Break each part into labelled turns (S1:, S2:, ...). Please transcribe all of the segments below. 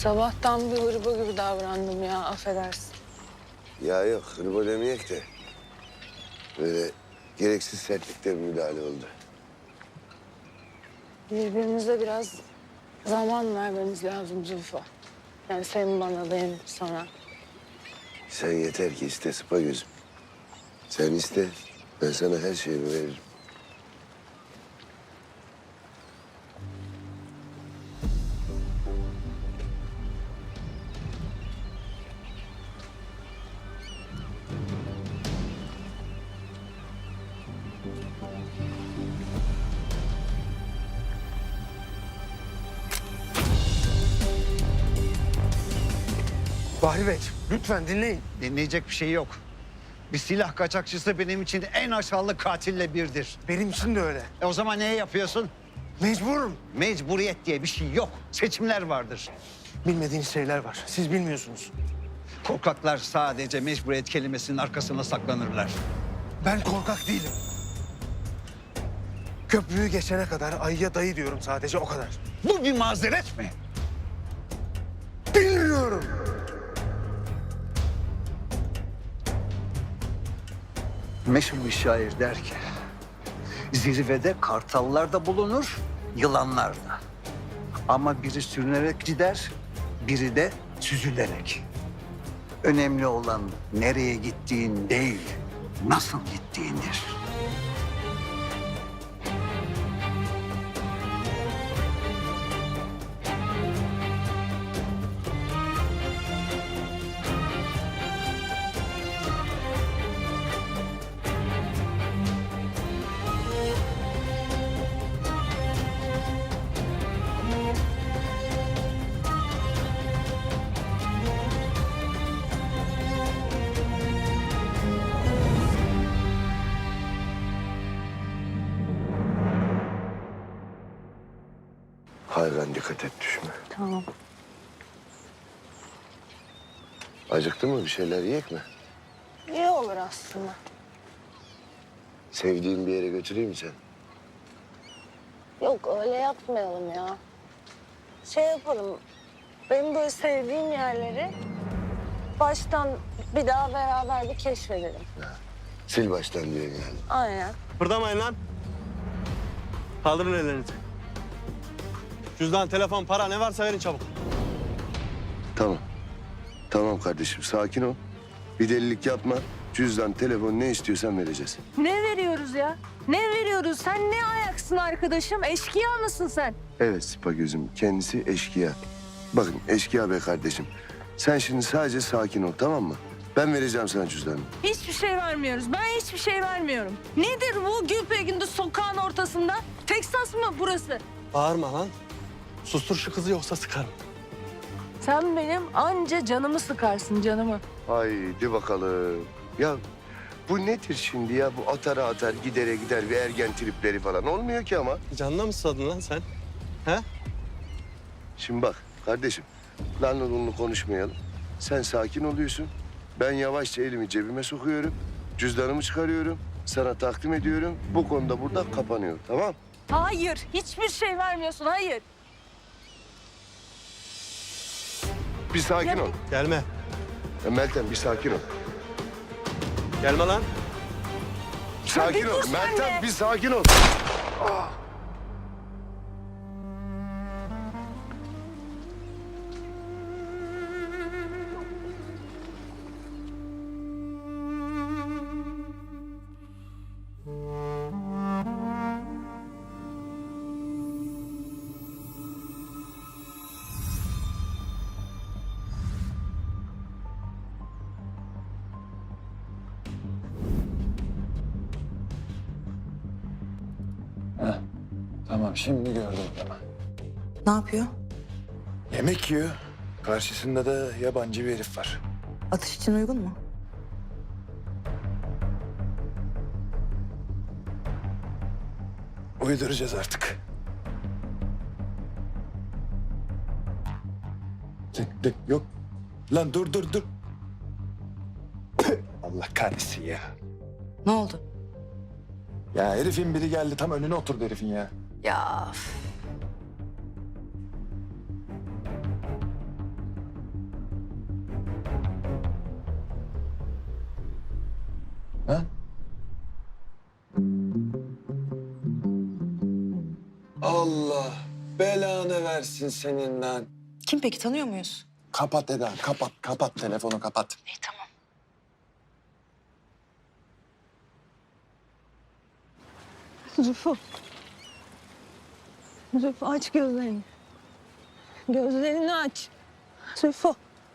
S1: Sabahtan bir hırba gibi davrandım ya, affedersin.
S2: Ya yok, hırba demeyek de. Böyle gereksiz sertlikte bir müdahale oldu.
S1: Birbirimize biraz zaman vermemiz lazım Zülfü. Yani sen bana, benim sana.
S2: Sen yeter ki iste sıpa gözüm. Sen iste, ben sana her şeyimi veririm.
S3: Bahri Bey, lütfen dinleyin.
S4: Dinleyecek bir şey yok. Bir silah kaçakçısı benim için en aşağılık katille birdir.
S3: Benim için de öyle.
S4: O zaman neye yapıyorsun?
S3: Mecburum.
S4: Mecburiyet diye bir şey yok. Seçimler vardır.
S3: Bilmediğiniz şeyler var. Siz bilmiyorsunuz.
S4: Korkaklar sadece mecburiyet kelimesinin arkasına saklanırlar.
S3: Ben korkak değilim. Köprüyü geçene kadar ayıya dayı diyorum sadece, o kadar.
S4: Bu bir mazeret mi?
S3: Bilmiyorum.
S4: Meşhur bir şair der ki, zirvede kartallar da bulunur, yılanlar da. Ama biri sürünerek gider, biri de süzülerek. Önemli olan nereye gittiğin değil, nasıl gittiğindir.
S2: Hayran dikkat et düşme.
S1: Tamam.
S2: Acıktı mı, bir şeyler yiyek mi?
S1: İyi olur aslında.
S2: Sevdiğin bir yere götüreyim mi sen?
S1: Yok, öyle yapmayalım ya. Şey yapalım, benim böyle sevdiğim yerleri baştan bir daha beraber bir keşfedelim.
S2: Sil baştan diyor yani.
S1: Aynen.
S5: Kıpırdamayın lan. Kaldırın ellerinizi. Cüzdan, telefon, para ne varsa verin çabuk.
S2: Tamam. Tamam kardeşim, sakin ol. Bir delilik yapma. Cüzdan, telefon ne istiyorsan vereceğiz.
S6: Ne veriyoruz ya? Ne veriyoruz? Sen ne ayaksın arkadaşım? Eşkıya mısın sen?
S2: Evet Sıpa gözüm, kendisi eşkıya. Bakın eşkıya be kardeşim. Sen şimdi sadece sakin ol, tamam mı? Ben vereceğim sana cüzdanı.
S6: Hiçbir şey vermiyoruz. Ben hiçbir şey vermiyorum. Nedir bu Gülpegün'de sokağın ortasında? Teksas mı burası?
S5: Bağırma lan. Sustur şu kızı yoksa sıkarım.
S6: Sen benim anca canımı sıkarsın, canımı.
S2: Haydi bakalım. Ya bu nedir şimdi ya? Bu atara atar, gidere gider bir ergen tripleri falan. Olmuyor ki ama.
S5: Canına mı susadın lan sen? He?
S2: Şimdi bak kardeşim, lanlı lunlu konuşmayalım. Sen sakin oluyorsun. Ben yavaşça elimi cebime sokuyorum. Cüzdanımı çıkarıyorum. Sana takdim ediyorum. Bu konuda burada kapanıyor, tamam?
S6: Hayır, hiçbir şey vermiyorsun, hayır.
S2: Bir sakin ol.
S5: Gelme.
S2: Meltem bir sakin ol.
S5: Gelme lan.
S2: Sakin
S6: bir
S2: ol.
S6: dur sen
S2: Meltem
S6: de.
S2: bir sakin ol.
S7: Tamam, şimdi gördüm adamı.
S8: Ne yapıyor?
S7: Yemek yiyor. Karşısında da yabancı bir herif var.
S8: Atış için uygun mu?
S7: Uyduracağız artık. Yok. Lan dur. Püh, Allah kahretsin ya.
S8: Ne oldu?
S7: Ya herifin biri geldi, tam önüne oturdu herifin ya.
S8: Ya üf.
S7: Ha? Allah belanı versin senin lan.
S8: Kim peki, tanıyor muyuz?
S7: Kapat Eda, kapat, kapat telefonu kapat.
S8: İyi, tamam.
S1: Zülfü. Zülfü aç gözlerini. Gözlerini aç. Zülfü.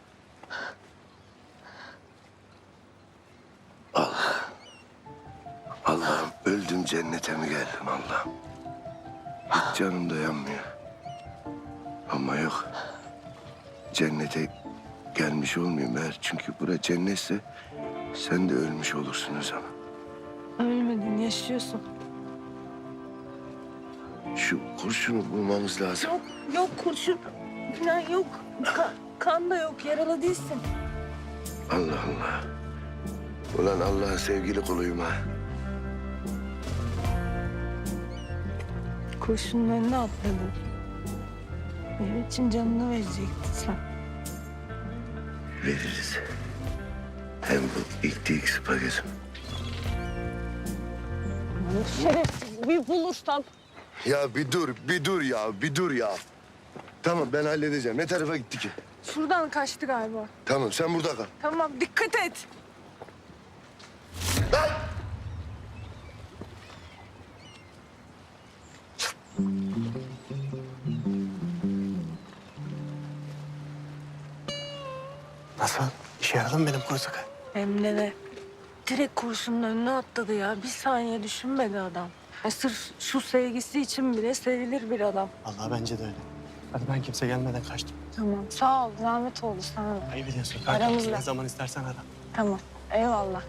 S2: Allah'ım öldüm cennete mi geldim Allah'ım? Hiç canım dayanmıyor. Ama yok. Cennete gelmiş olmayayım eğer. Çünkü bura cennetse sen de ölmüş olursun o zaman.
S1: Ölmedin, yaşıyorsun.
S2: Şu kurşunu bulmamız lazım.
S1: Yok, yok kurşun falan yok. Kan da yok, yaralı değilsin.
S2: Allah Allah. Ulan Allah'ın sevgili kuluyum ha.
S1: Kurşunun önüne atladın. Benim için canını verecektin sen.
S2: Veririz. Hem bu ilk spagetim.
S1: Şerefsiz bir bulursam.
S2: Ya bir dur ya. Tamam ben halledeceğim. Ne tarafa gitti ki?
S1: Şuradan kaçtı galiba.
S2: Tamam sen burada kal.
S1: Tamam, dikkat et.
S3: Nasıl? İşe yaradı mı benim kuru sakal?
S1: Hem de direkt kurşunun önüne atladı ya. Bir saniye düşünmedi adam. Sırf şu sevgisi için bile sevilir bir adam.
S3: Vallahi bence de öyle. Hadi ben kimse gelmeden kaçtım.
S1: Tamam. Sağ ol. Zahmet oldu sana da.
S3: Ayıp ediyorsun.
S1: Aramızda.
S3: Ne zaman istersen ara.
S1: Tamam. Eyvallah.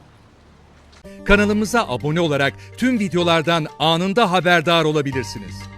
S9: Kanalımıza abone olarak tüm videolardan anında haberdar olabilirsiniz.